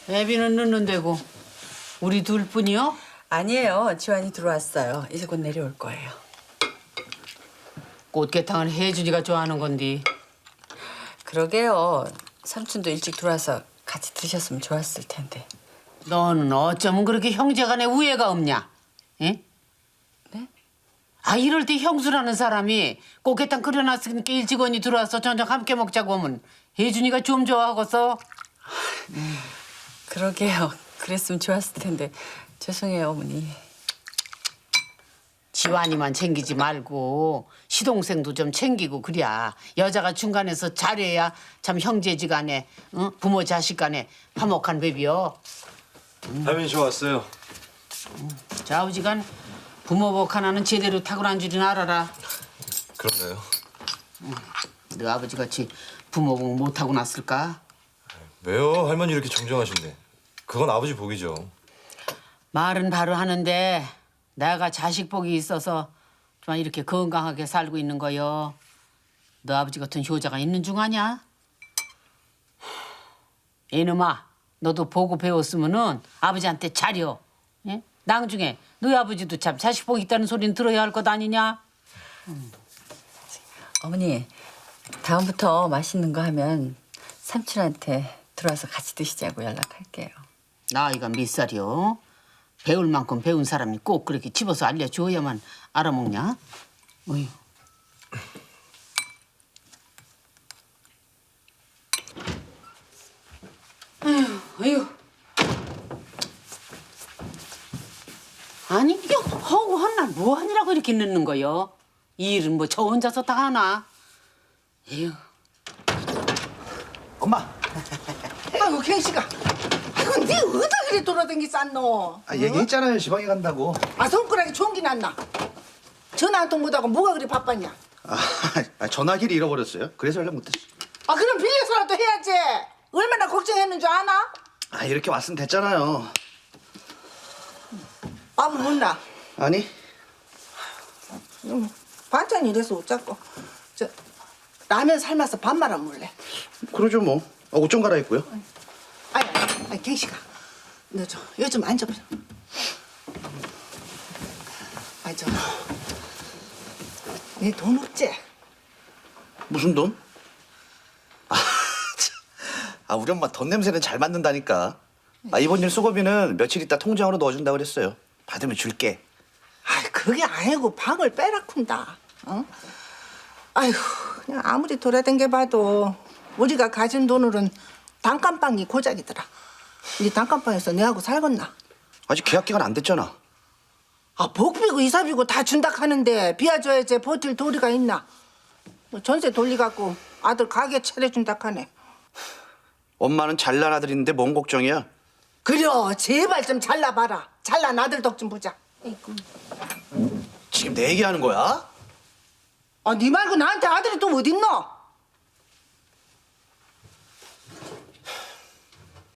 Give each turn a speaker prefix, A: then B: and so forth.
A: 애비는 늦는데고 우리 둘뿐이요?
B: 아니에요. 지환이 들어왔어요. 이제 곧 내려올 거예요.
A: 꽃게탕은 혜준이가 좋아하는 건디.
B: 그러게요. 삼촌도 일찍 들어와서 같이 드셨으면 좋았을 텐데.
A: 너는 어쩌면 그렇게 형제간에 우애가 없냐? 응?
B: 네?
A: 아 이럴 때 형수라는 사람이 꽃게탕 끓여놨으니까 일찍 언니 들어와서 저녁 함께 먹자고 하면 혜준이가 좀 좋아하겠어?
B: 그러게요. 그랬으면 좋았을 텐데. 죄송해요, 어머니.
A: 지환이만 챙기지 말고 시동생도 좀 챙기고 그래야 여자가 중간에서 잘해야 참 형제지간에 응? 부모 자식간에 화목한 법이요.
C: 할머니 저 왔어요.
A: 좌우지간 부모복 하나는 제대로 타고난 줄은 알아라.
C: 그러네요.
A: 너 아버지같이 부모복 못 타고 났을까?
C: 왜요? 할머니 이렇게 정정하신데. 그건 아버지 복이죠.
A: 말은 바로 하는데 내가 자식 복이 있어서 좀 이렇게 건강하게 살고 있는 거요. 너 아버지 같은 효자가 있는 중 아냐? 이놈아, 너도 보고 배웠으면은 아버지한테 잘여. 예? 나중에 너희 아버지도 참 자식 복 있다는 소리는 들어야 할 것 아니냐?
B: 어머니, 다음부터 맛있는 거 하면 삼촌한테 들어와서 같이 드시자고 연락할게요.
A: 나이가 몇 살이요? 배울 만큼 배운 사람이 꼭 그렇게 집어서 알려줘야만 알아먹냐? 어휴. 아휴. 아니 이게 허구 한날 뭐 하느라고 이렇게 늦는 거요? 이 일은 뭐 저 혼자서 다 하나? 에휴.
D: 엄마.
E: 아이고 갱씨가 아이고 네 어디다 그래 돌아다니 쌌노?
D: 아, 얘기했잖아요. 지방에 간다고.
E: 아 손가락이 총기 났나? 전화 한 통 못하고 뭐가 그리 바빴냐?
D: 전화기를 잃어버렸어요. 그래서 연락 못했어.
E: 아 그럼 빌려서라도 해야지. 얼마나 걱정했는 줄 아나?
D: 이렇게 왔으면 됐잖아요.
E: 밥은 못나?
D: 아니,
E: 반찬이 이래서 어쩌고 저 라면 삶아서 밥 말아 먹을래?
D: 그러죠 뭐. 옷 좀 갈아입고요.
E: 아니 갱씨가 너 저 요즘 앉아보자. 내 돈 없지?
D: 무슨 돈? 우리 엄마 돈 냄새는 잘 맡는다니까. 이번 일 수고비는 며칠 있다 통장으로 넣어준다 그랬어요. 받으면 줄게.
E: 그게 아니고 방을 빼라쿤다. 어? 아이고 그냥 아무리 돌아댕겨봐도 우리가 가진 돈으로는 단칸방이 고작이더라. 이 단칸방에서 내하고 살겄나?
D: 아직 계약 기간 안 됐잖아.
E: 복비고 이사비고 다 준다 하는데 비워줘야지 버틸 도리가 있나? 뭐 전세 돌리갖고 아들 가게 차려준다 하네.
D: 엄마는 잘난 아들인데 뭔 걱정이야?
E: 그려 제발 좀 잘라봐라. 잘난 아들 덕 좀 보자. 아이고.
D: 지금 내 얘기하는 거야?
E: 네 말고 나한테 아들이 또 어딨노?